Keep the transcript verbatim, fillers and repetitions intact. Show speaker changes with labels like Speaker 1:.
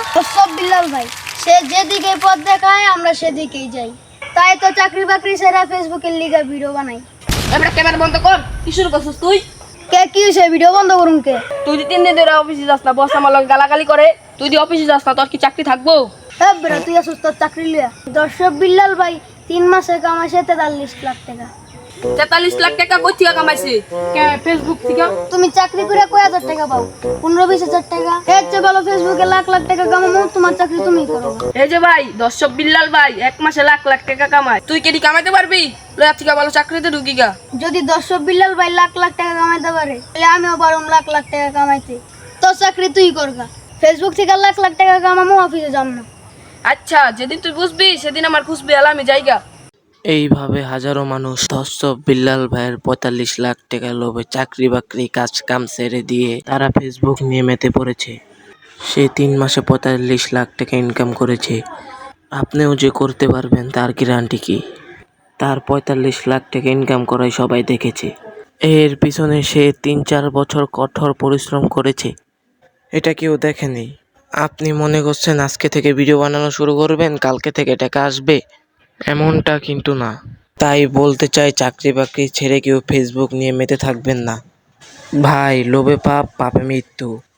Speaker 1: সব বিল্লাল ভাই, সে যেদিকে পথ দেখায় আমরা সেদিকেই যাই। তাই তো চাকরি বাকরি সেরা ফেসবুকের লিগা ভিডিও বানাই।
Speaker 2: এবারে ক্যামেরা বন্ধ কর। কি শুরু করছিস তুই?
Speaker 1: কে কি হয়েছে, ভিডিও বন্ধ করুন কে?
Speaker 2: তুই যদি তিন দিন ধরে অফিসে যাস না, বস আমার লগে গালাগালি করে। তুই যদি অফিসে যাস না, তোর কি চাকরি থাকবো?
Speaker 1: হ্যাঁ বেড়া, তুই আসুস তোর চাকরি লিয়া। দর্শক বিল্লাল ভাই তিন মাসে কামাইছে তেতাল্লিশ লাখ টাকা।
Speaker 2: তেতাল্লিশ লাখ টাকা কই থেকে কামাইছে? ফেসবুক থেকে।
Speaker 1: তুমি চাকরি করে কয় হাজার টাকা পাও? পনেরো বিশ হাজার টাকা। এর চেয়ে ভালো ফেসবুকে লাখ লাখ টাকা কামাবো, তোমার চাকরি তুমি করো।
Speaker 2: এই যে ভাই দর্শক বিল্লাল ভাই এক মাসে লাখ লাখ টাকা কামায়, তুই কেডি কামাইতে পারবি? লয়া থেকে ভালো চাকরিতে ঢুকি গা।
Speaker 1: যদি দর্শক বিল্লাল ভাই লাখ লাখ টাকা কামাইতে পারে, তাহলে আমিও পারুম লাখ লাখ টাকা কামাইতে। তোর চাকরি তুই করগা। ফেসবুক থেকে লাখ লাখ টাকা কামাবো, অফিসে যাম না।
Speaker 2: আচ্ছা, যেদিন তুই বুঝবি সেদিন আমার খুশবি আলা আমি যাইগা।
Speaker 3: এইভাবে হাজারো মানুষ দর্শক বিল্লাল ভাইয়ের পঁয়তাল্লিশ লাখ টাকা লোভে চাকরি বাকরি কাজ কাম ছেড়ে দিয়ে তারা ফেসবুক নিয়ে মেতে পড়েছে। সে তিন মাসে পঁয়তাল্লিশ লাখ টাকা ইনকাম করেছে। আপনিও যে করতে পারবেন তার গ্যারান্টি কি? তার পঁয়তাল্লিশ লাখ টাকা ইনকাম করাই সবাই দেখেছে। এর পিছনে সে তিন চার বছর কঠোর পরিশ্রম করেছে, এটা কেউ দেখেনি। আপনি মনে করছেন আজকে থেকে ভিডিও বানানো শুরু করবেন, কালকে থেকে টাকা আসবে, এমনটা কিন্তু না। তাই বলতে চাই, চাকরি বাকরি ছেড়ে কেউ ফেসবুক নিয়ে মেতে থাকবেন না ভাই। লোভে পাপ, পাপে মৃত্যু।